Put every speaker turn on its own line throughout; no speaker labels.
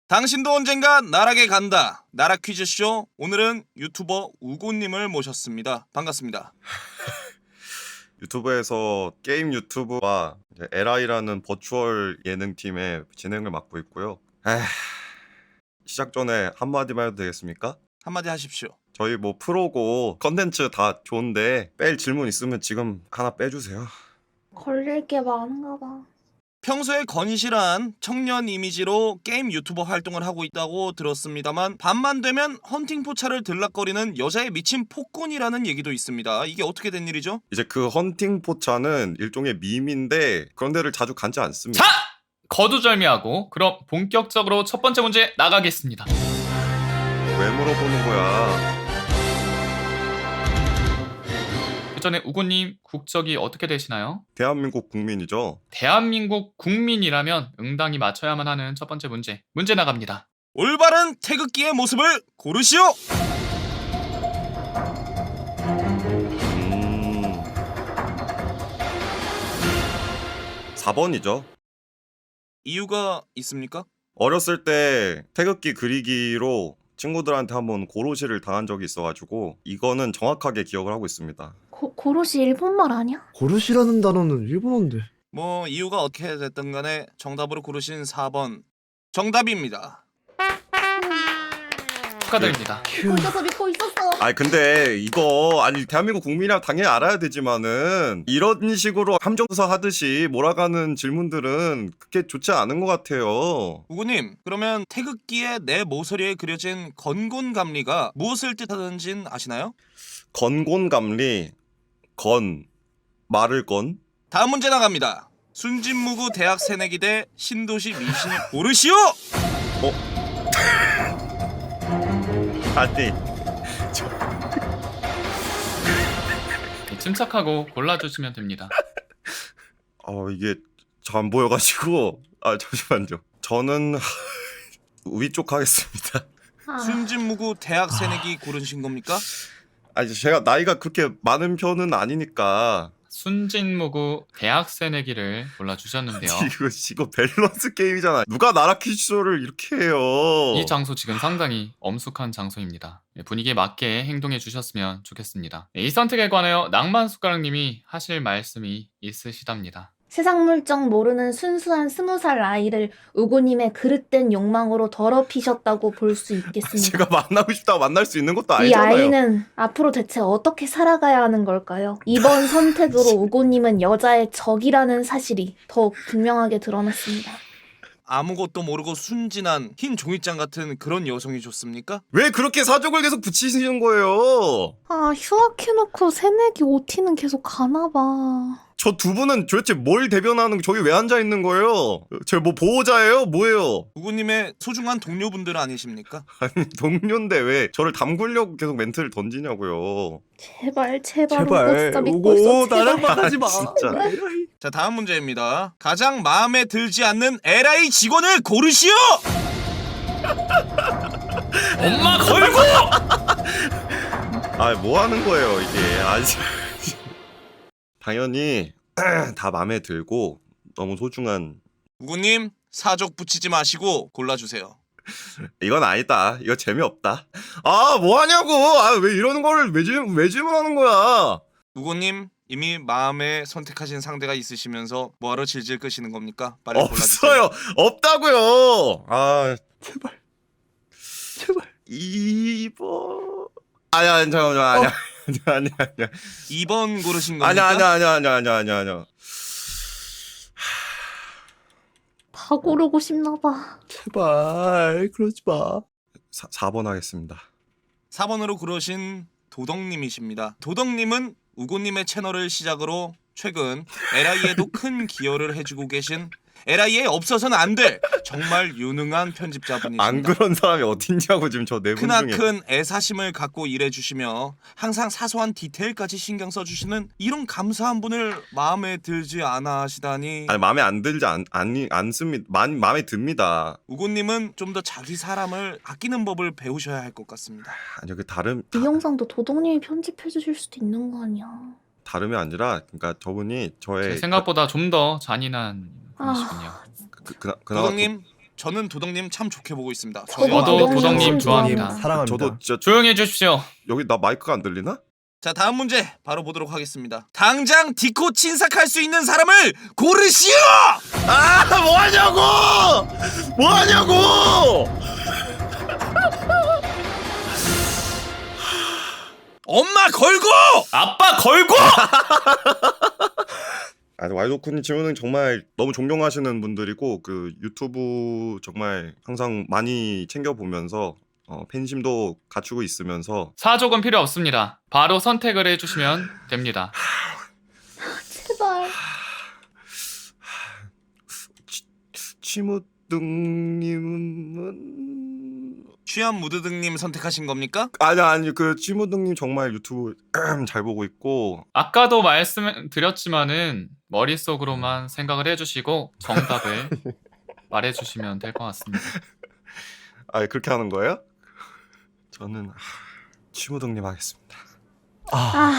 당신도 언젠가 나락에 간다. 나락 퀴즈쇼. 오늘은 유튜버 우고님을 모셨습니다. 반갑습니다.
유튜브에서 게임 유튜브와 LI라는 버추얼 예능팀의 진행을 맡고 있고요. 시작 전에 한마디만 해도 되겠습니까?
한마디 하십시오.
저희 뭐 프로고 컨텐츠 다 좋은데 뺄 질문 있으면 지금 하나 빼주세요.
걸릴 게 많은가 봐.
평소에 건실한 청년 이미지로 게임 유튜버 활동을 하고 있다고 들었습니다만 밤만 되면 헌팅 포차를 들락거리는 여자에 미친 폭군이라는 얘기도 있습니다. 이게 어떻게 된 일이죠?
이제 그 헌팅 포차는 일종의 밈인데 그런 데를 자주 간지 않습니다.
자! 거두절미하고 그럼 본격적으로 첫 번째 문제 나가겠습니다.
왜 물어보는 거야?
그 전에 우고님 국적이 어떻게 되시나요?
대한민국 국민이죠.
대한민국 국민이라면 응당이 맞춰야만 하는 첫 번째 문제 나갑니다.
올바른 태극기의 모습을 고르시오.
4번이죠.
이유가 있습니까?
어렸을 때 태극기 그리기로 친구들한테 한번 고로시를 당한 적이 있어가지고 이거는 정확하게 기억을 하고 있습니다.
고로시 일본말 아니야?
고르시라는 단어는 일본어인데.
뭐 이유가 어떻게 됐든 간에 정답으로 고르신 4번 정답입니다.
축하드립니다.
믿고 있었어, 믿고 있었어.
아니 근데 이거 대한민국 국민이라 당연히 알아야 되지만은 이런 식으로 함정조사 하듯이 몰아가는 질문들은 그렇게 좋지 않은 것 같아요.
우구님, 그러면 태극기의 내 모서리에 그려진 건곤감리가 무엇을 뜻하는진 아시나요?
건곤감리 말을 건.
다음 문제 나갑니다. 순진무구 대학 새내기대 신도시 미신을 고르시오!
아니
침착하고 골라주시면 됩니다.
이게 잘 안 보여가지고 잠시만요. 저는 위쪽 하겠습니다.
순진무구 대학 새내기 고르신 겁니까?
제가 나이가 그렇게 많은 편은 아니니까.
순진무구 대학 새내기를 골라주셨는데요.
이거 밸런스 게임이잖아. 누가 나라 퀴즈쇼를 이렇게 해요.
이 장소 지금 상당히 엄숙한 장소입니다. 분위기에 맞게 행동해 주셨으면 좋겠습니다. 이 선택에 관하여 낭만숟가락님이 하실 말씀이 있으시답니다.
세상 물정 모르는 순수한 20살 아이를 우고님의 그릇된 욕망으로 더럽히셨다고 볼 수 있겠습니다.
제가 만나고 싶다고 만날 수 있는 것도
이
아니잖아요.
아이는 앞으로 대체 어떻게 살아가야 하는 걸까요? 이번 선택으로 우고님은 여자의 적이라는 사실이 더욱 분명하게 드러났습니다.
아무것도 모르고 순진한 흰 종이장 같은 그런 여성이 좋습니까?
왜 그렇게 사족을 계속 붙이시는 거예요?
휴학해놓고 새내기 OT는 계속 가나봐.
저 두 분은 도대체 뭘 대변하는 저기 왜 앉아 있는 거예요? 저 뭐 보호자예요? 뭐예요?
우구님의 소중한 동료분들 아니십니까?
아니 동료인데 왜 저를 담그려고 계속 멘트를 던지냐고요.
제발 우고 진짜 믿고 있어.
나랑
제발.
만나지 마.
진짜.
자, 다음 문제입니다. 가장 마음에 들지 않는 LI 직원을 고르시오!
엄마 걸고!
뭐 하는 거예요 이게? 당연히 다 마음에 들고 너무 소중한.
우구님, 사족 붙이지 마시고 골라주세요.
이건 아니다. 이거 재미없다. 뭐 하냐고. 왜 이러는 거를 왜 질문하는 거야?
우구님, 이미 마음에 선택하신 상대가 있으시면서 뭐하러 질질 끄시는 겁니까? 빨리 골라주세요.
없어요. 없다고요.
제발.
2번. 아니야, 잠깐만. 아니야.
2번 고르신 겁니까?
아니야.
다 고르고 싶나봐.
제발 그러지 마.
4번 하겠습니다.
4번으로 고르신 도덕님이십니다. 도덕님은 우고님의 채널을 시작으로 최근 LI에도 큰 기여를 해주고 계신 LI에 없어서는 안 될 정말 유능한 편집자분이십니다.
안 그런 사람이 어딨냐고 지금 저 네 분 중에.
크나큰 애사심을 갖고 일해주시며 항상 사소한 디테일까지 신경 써주시는 이런 감사한 분을 마음에 들지 않아 하시다니.
마음에 안 들지 않습니다. 마음에 듭니다.
우고님은 좀 더 자기 사람을 아끼는 법을 배우셔야 할 것 같습니다.
아니요, 다름.
이 영상도 도덕님이 편집해 주실 수도 있는 거 아니야.
다름이 아니라 그러니까 저분이 저의
생각보다 좀 더 잔인한 분이시군요.
그나마
도덕님, 저는 도덕님 참 좋게 보고 있습니다.
저도
저도 도덕님
참
좋아합니다.
좋아해요.
사랑합니다.
저도 진짜
조용히 해주십시오.
여기 나 마이크가 안 들리나?
자, 다음 문제 바로 보도록 하겠습니다. 당장 디코 친삭할 수 있는 사람을 고르시오!
아 뭐하냐고! 뭐하냐고!
엄마 걸고!
아빠 걸고!
아니 와이도쿠님 질문은 정말 너무 존경하시는 분들이고 그 유튜브 정말 항상 많이 챙겨보면서 팬심도 갖추고 있으면서
사족은 필요 없습니다. 바로 선택을 해주시면 됩니다.
제발.
치무등님은
취한 무드등님 선택하신 겁니까?
아니 그 치무등님 정말 유튜브 잘 보고 있고
아까도 말씀드렸지만은 머릿속으로만 생각을 해주시고 정답을 말해주시면 될 것 같습니다.
아 그렇게 하는 거예요? 저는 치무등님 하겠습니다.
아,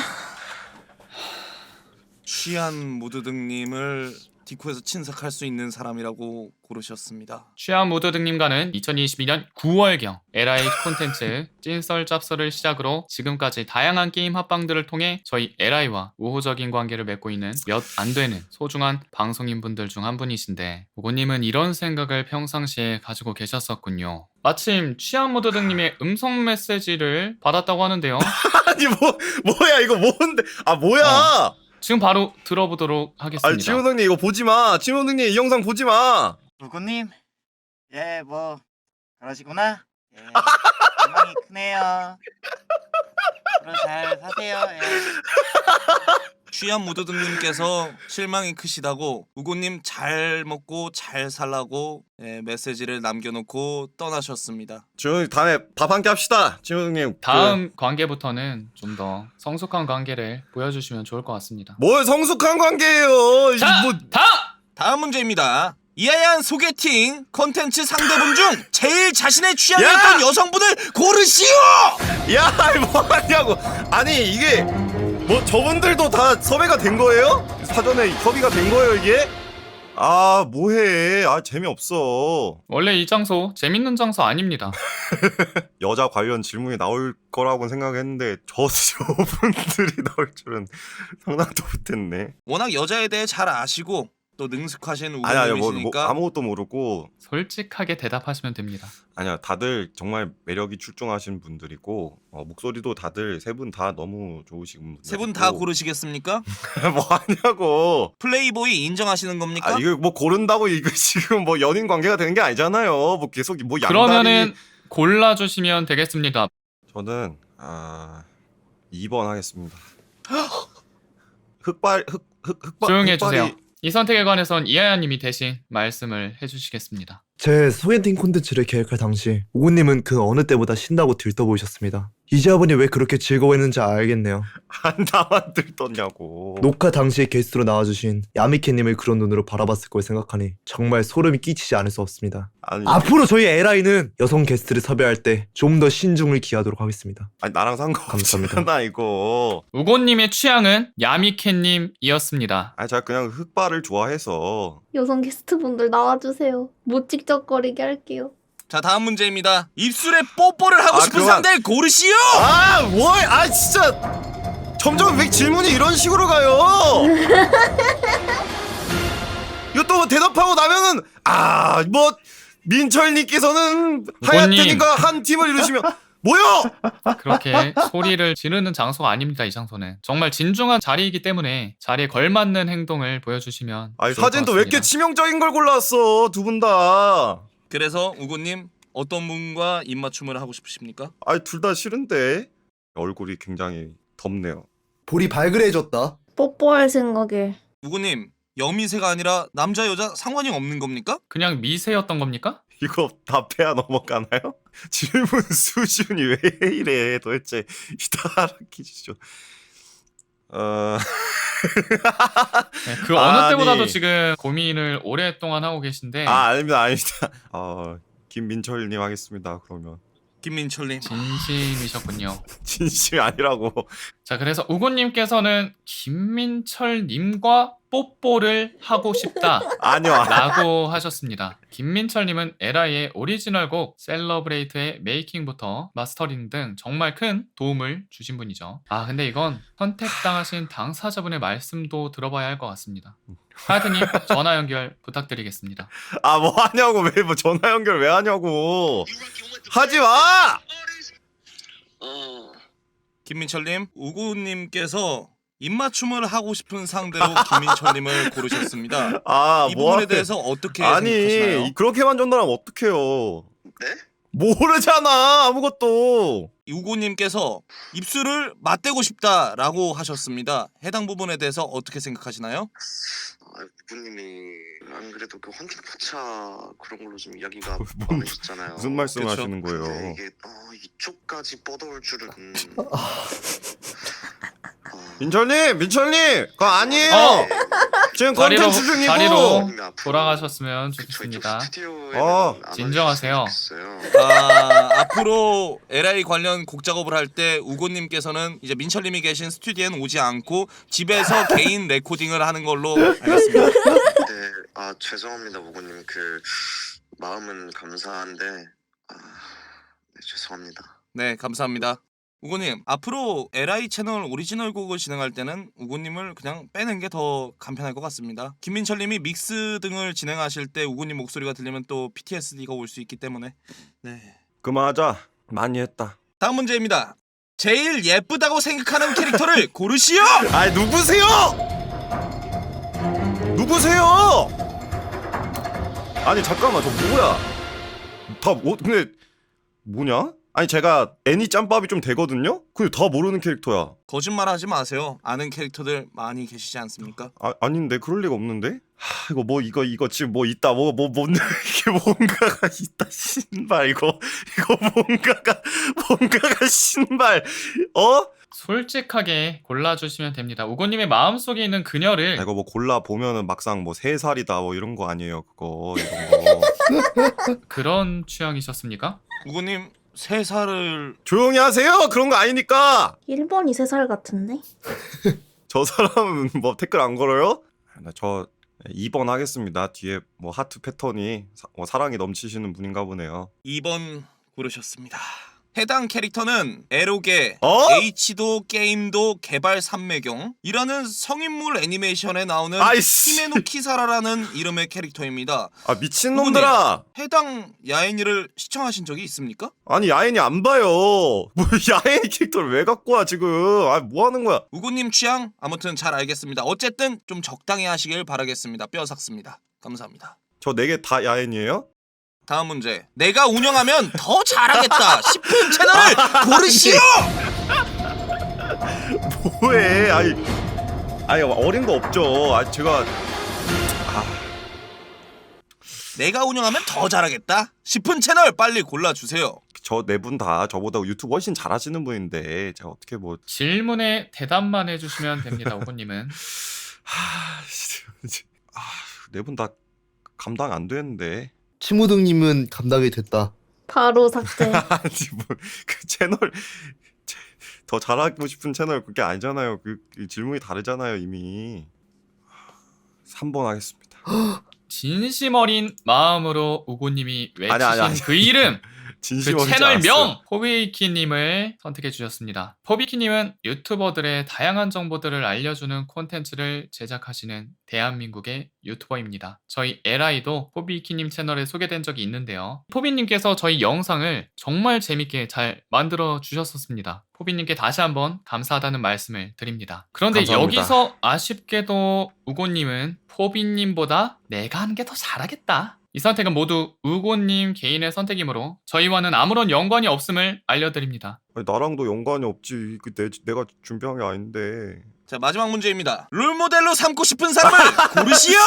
취한 무드등님을 디코에서 친삭할 수 있는 사람이라고 고르셨습니다.
취한 모드 등님과는 2022년 9월경 LI 콘텐츠 찐썰 짭썰을 시작으로 지금까지 다양한 게임 합방들을 통해 저희 LI와 우호적인 관계를 맺고 있는 몇 안 되는 소중한 방송인분들 중 한 분이신데 우고님은 이런 생각을 평상시에 가지고 계셨었군요. 마침 취한 모드 등님의 음성 메시지를 받았다고 하는데요.
아니 뭐야 이거 뭔데? 아 뭐야?
지금 바로 들어보도록 하겠습니다.
아니 치무등님 이거 보지 마. 치무등님 이 영상 보지 마.
누구님? 예, 뭐 그러시구나. 예, 희망이 크네요. 앞으로 잘 사세요. 예.
취한 무드등님께서 실망이 크시다고 우고님 잘 먹고 잘 살라고 메시지를 남겨놓고 떠나셨습니다.
치무등님 다음에 밥 한 끼 합시다. 치무등님
다음 관계부터는 좀 더 성숙한 관계를 보여주시면 좋을 것 같습니다.
뭘 성숙한 관계예요? 이거
자,
뭐
다음 문제입니다. 이하얀 소개팅 컨텐츠 상대분 중 제일 자신의 취향에
야!
있던 여성분을 고르시오!
야, 뭐 하냐고. 아니, 이게 뭐 저분들도 다 섭외가 된 거예요? 사전에 협의가 된 거예요, 이게? 아, 뭐해. 아, 재미없어.
원래 이 장소 재밌는 장소 아닙니다.
여자 관련 질문이 나올 거라고 생각했는데 저분들이 나올 줄은 상상도 못했네.
워낙 여자에 대해 잘 아시고 또 능숙하신
아니야, 뭐
우고님이시니까
아무것도 모르고
솔직하게 대답하시면 됩니다.
아니야, 다들 정말 매력이 출중하신 분들이고 목소리도 다들 세 분 다 너무 좋으신 분들.
세 분 다 고르시겠습니까?
뭐 하냐고.
플레이보이 인정하시는 겁니까?
아 이거 뭐 고른다고 이거 지금 뭐 연인 관계가 되는 게 아니잖아요. 뭐 계속 뭐 양다리.
그러면은 골라주시면 되겠습니다.
저는 2번 하겠습니다. 흑발.
조용히 해주세요. 이 선택에 관해선 이하야님이 대신 말씀을 해주시겠습니다.
제 소개팅 콘텐츠를 계획할 당시 우고님은 그 어느 때보다 신나고 들떠 보이셨습니다. 이제 아버님 왜 그렇게 즐거워했는지 알겠네요.
안 나만 들떴냐고.
녹화 당시에 게스트로 나와주신 야미케님을 그런 눈으로 바라봤을 걸 생각하니 정말 소름이 끼치지 않을 수 없습니다.
아니,
앞으로 저희 LI는 여성 게스트를 섭외할 때 좀 더 신중을 기하도록 하겠습니다.
아니 나랑 상관없잖아 이거.
우고님의 취향은 야미캣님이었습니다.
아니 제가 그냥 흑발을 좋아해서.
여성 게스트분들 나와주세요. 못 찍적거리게 할게요.
자, 다음 문제입니다. 입술에 뽀뽀를 하고 싶은
그만.
상대를 고르시오!
아 뭘? 아 진짜. 점점 왜 질문이 이런 식으로 가요? 이거 또 대답하고 나면은 뭐 민철님께서는 하얏트님과 한 팀을 이루시면 뭐요?
그렇게 소리를 지르는 장소가 아닙니다. 이 장소는 정말 진중한 자리이기 때문에 자리에 걸맞는 행동을 보여주시면
아니
좋을 것
사진도 왜 이렇게
같습니다.
치명적인 걸 골랐어 두 분 다.
그래서 우고님 어떤 분과 입맞춤을 하고 싶으십니까?
아니 둘 다 싫은데 얼굴이 굉장히 덥네요.
볼이 발그레해졌다.
뽀뽀할 생각에.
우고님 여미새가 아니라 남자 여자 상관이 없는 겁니까?
그냥 미세였던 겁니까?
이거 답해야 넘어가나요? 질문 수준이 왜 이래 도대체 이따 알아키시죠.
네, 그 어느
아니.
때보다도 지금 고민을 오랫동안 하고 계신데
아닙니다. 김민철님 하겠습니다. 그러면
김민철님.
진심이셨군요.
진심이 아니라고.
자, 그래서 우고님께서는 김민철님과 뽀뽀를 하고 싶다
아니요.
라고 하셨습니다. 김민철님은 에라이의 오리지널 곡 셀러브레이트의 메이킹부터 마스터링 등 정말 큰 도움을 주신 분이죠. 아 근데 이건 선택당하신 당사자분의 말씀도 들어봐야 할 것 같습니다. 하여튼님 전화 연결 부탁드리겠습니다.
아 뭐 하냐고 왜 뭐 전화 연결 왜 하냐고. 하지 마.
김민철님, 우구님께서 입맞춤을 하고 싶은 상대로 김민철님을 고르셨습니다.
아
이
뭐
부분에
하게.
대해서 어떻게 생각하시나요?
아니 그렇게만 전달하면 어떡해요.
네?
모르잖아 아무것도.
우구님께서 입술을 맞대고 싶다라고 하셨습니다. 해당 부분에 대해서 어떻게 생각하시나요?
부모님이 안 그래도 그 헌팅 포차 그런 걸로 좀 이야기가
뭔-
많으셨잖아요.
무슨 말씀
그쵸.
하시는 거예요.
근데 이게 이쪽까지 뻗어올 줄은.
민철님 그거 아니에요.
어!
지금
자리로-
컨텐츠 중이고.
자리로. 돌아가셨으면 좋겠습니다. 진정하세요.
앞으로 LI 관련 곡 작업을 할 때 우고님께서는 이제 민철님이 계신 스튜디오에는 오지 않고 집에서 개인 레코딩을 하는 걸로 알겠습니다.
네, 죄송합니다, 우고님. 그 마음은 감사한데, 네, 죄송합니다.
네, 감사합니다. 우고님, 앞으로 LI 채널 오리지널 곡을 진행할 때는 우고님을 그냥 빼는 게 더 간편할 것 같습니다. 김민철님이 믹스 등을 진행하실 때 우고님 목소리가 들리면 또 PTSD가 올 수 있기 때문에. 네.
그만하자. 많이 했다.
다음 문제입니다. 제일 예쁘다고 생각하는 캐릭터를 고르시오!
아이 누구세요? 누구세요? 아니 잠깐만 저 뭐야? 근데 뭐냐? 아니 제가 애니 짬밥이 좀 되거든요? 근데 다 모르는 캐릭터야.
거짓말하지 마세요. 아는 캐릭터들 많이 계시지 않습니까?
아닌데 그럴 리가 없는데? 이거 지금 뭐 있다 이게 뭔가가 있다 신발 이거 뭔가가 신발
솔직하게 골라주시면 됩니다. 우고님의 마음속에 있는 그녀를
이거 뭐 골라 보면은 막상 뭐 3살이다 뭐 이런 거 아니에요 그거 이런 거.
그런 취향이셨습니까?
우고님 3살을
조용히 하세요. 그런 거 아니니까.
1번이 3살 같은데?
저 사람은 뭐 댓글 안 걸어요? 저 2번 하겠습니다. 뒤에 뭐 하트 패턴이 사랑이 넘치시는 분인가 보네요.
2번 고르셨습니다. 해당 캐릭터는 에로게, H도 게임도 개발 삼매경이라는 성인물 애니메이션에 나오는
아이씨.
히메노 키사라라는 이름의 캐릭터입니다.
미친놈들아.
해당 야인이를 시청하신 적이 있습니까?
아니 야인이 안 봐요. 뭐 야인 캐릭터를 왜 갖고 와 지금. 뭐 하는 거야.
우구님 취향 아무튼 잘 알겠습니다. 어쨌든 좀 적당히 하시길 바라겠습니다. 뼈 삭습니다. 감사합니다.
저 4개 다 야인이에요?
다음 문제. 내가 운영하면 더 잘하겠다 싶은 채널을 고르시오!
뭐해. 아니 어린 거 없죠. 제가
내가 운영하면 더 잘하겠다 싶은 채널 빨리 골라주세요.
저 4분 다 저보다 유튜브 훨씬 잘하시는 분인데 제가 어떻게 뭐
질문에 대답만 해주시면 됩니다. 우고님은
4분 다 감당 안 되는데.
치무등님은 감당이 됐다.
바로 삭제.
아니 뭐 그 채널 더 잘하고 싶은 채널 그게 아니잖아요. 그 질문이 다르잖아요 이미. 3번 하겠습니다.
진심 어린 마음으로 우고님이 외치신
아니.
그 이름
진심
그
어리지
채널명
않았어요.
포비키님을 선택해 주셨습니다. 포비키님은 유튜버들의 다양한 정보들을 알려주는 콘텐츠를 제작하시는 대한민국의 유튜버입니다. 저희 LI도 포비키님 채널에 소개된 적이 있는데요. 포비님께서 저희 영상을 정말 재밌게 잘 만들어 주셨었습니다. 포비님께 다시 한번 감사하다는 말씀을 드립니다. 그런데
감사합니다.
여기서 아쉽게도 우고님은 포비님보다 내가 하는 게 더 잘하겠다. 이 선택은 모두 우고님 개인의 선택이므로 저희와는 아무런 연관이 없음을 알려드립니다.
아니, 나랑도 연관이 없지. 내가 준비한 게 아닌데.
자, 마지막 문제입니다. 롤모델로 삼고 싶은 사람을 고르시오!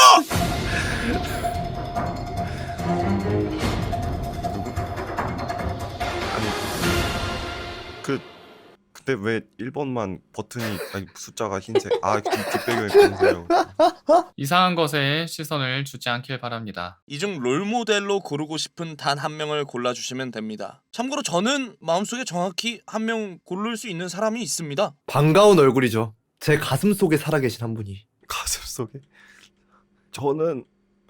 근데 왜 1번만 버튼이 숫자가 흰색. 뒷배경이 검은색이요.
이상한 것에 시선을 주지 않길 바랍니다.
이 중 롤모델로 고르고 싶은 단 한 명을 골라주시면 됩니다. 참고로 저는 마음속에 정확히 한 명 고를 수 있는 사람이 있습니다.
반가운 얼굴이죠. 제 가슴 속에 살아계신 한 분이.
가슴 마음속에. 저는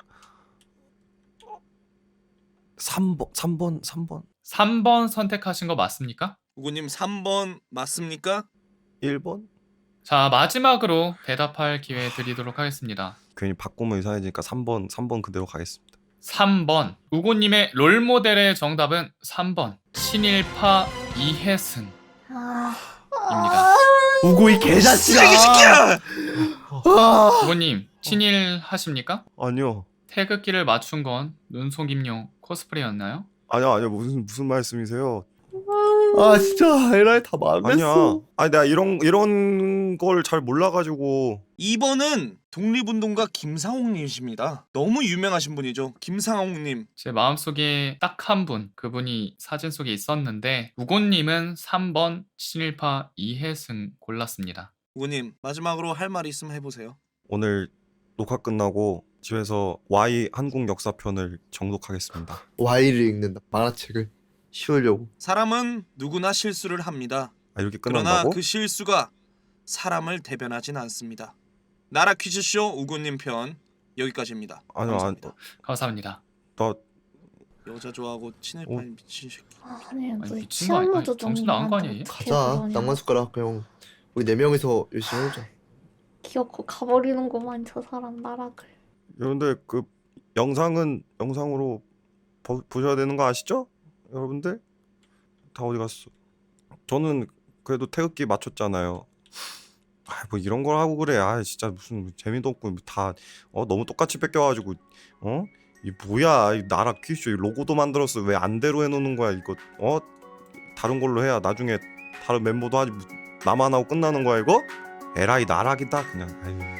3번
3번 선택하신 거 맞습니까?
우고님 3번 맞습니까?
1번?
자, 마지막으로 대답할 기회 드리도록 하겠습니다.
괜히 바꾸면 이상해지니까 3번 그대로 가겠습니다.
3번. 우고님의 롤모델의 정답은 3번. 친일파 이해승입니다.
아,
우고 이 개자식아.
쓰레기 새끼야!
우고님, 친일 하십니까?
아니요.
태극기를 맞춘 건 눈속임용 코스프레였나요?
아니요. 무슨 말씀이세요?
아 진짜 에라이 다
아니야.
망했어.
아니 내가 이런 걸 잘 몰라가지고.
2번은 독립운동가 김상옥님이십니다. 너무 유명하신 분이죠. 김상옥님.
제 마음속에 딱 한 분, 그분이 사진 속에 있었는데 우고님은 3번 친일파 이해승 골랐습니다.
우고님 마지막으로 할 말 있으면 해보세요.
오늘 녹화 끝나고 집에서 Y 한국 역사편을 정독하겠습니다.
Y를 읽는 만화책을 씌우려고.
사람은 누구나 실수를 합니다.
아, 이렇게
그러나
끝난다고?
그 실수가 사람을 대변하진 않습니다. 나라 퀴즈쇼 우고님 편 여기까지입니다.
아니요,
감사합니다.
감사합니다.
나
여자 좋아하고 친일파
어?
미친 새끼.
아니 뭐
미친 거 아니-
치안무
아니,
조정
정신 나간 거 아니에요, 얘?
가자. 낭만 숟가락 형. 우리 4명이서 열심히 해보자.
귀엽고 가버리는구만 저 사람 나락을.
여러분들 그 영상은 영상으로 보셔야 되는 거 아시죠? 여러분들 다 어디 갔어? 저는 그래도 태극기 맞췄잖아요. 아, 뭐 이런 걸 하고 그래. 아 진짜 무슨 재미도 없고 다 너무 똑같이 뺏겨가지고 이 뭐야 이 나라 퀴즈 로고도 만들었어. 왜 안대로 해놓는 거야 이거? 다른 걸로 해야 나중에 다른 멤버도 하지. 나만 하고 끝나는 거야 이거? 에라이 나락이다 그냥. 아유.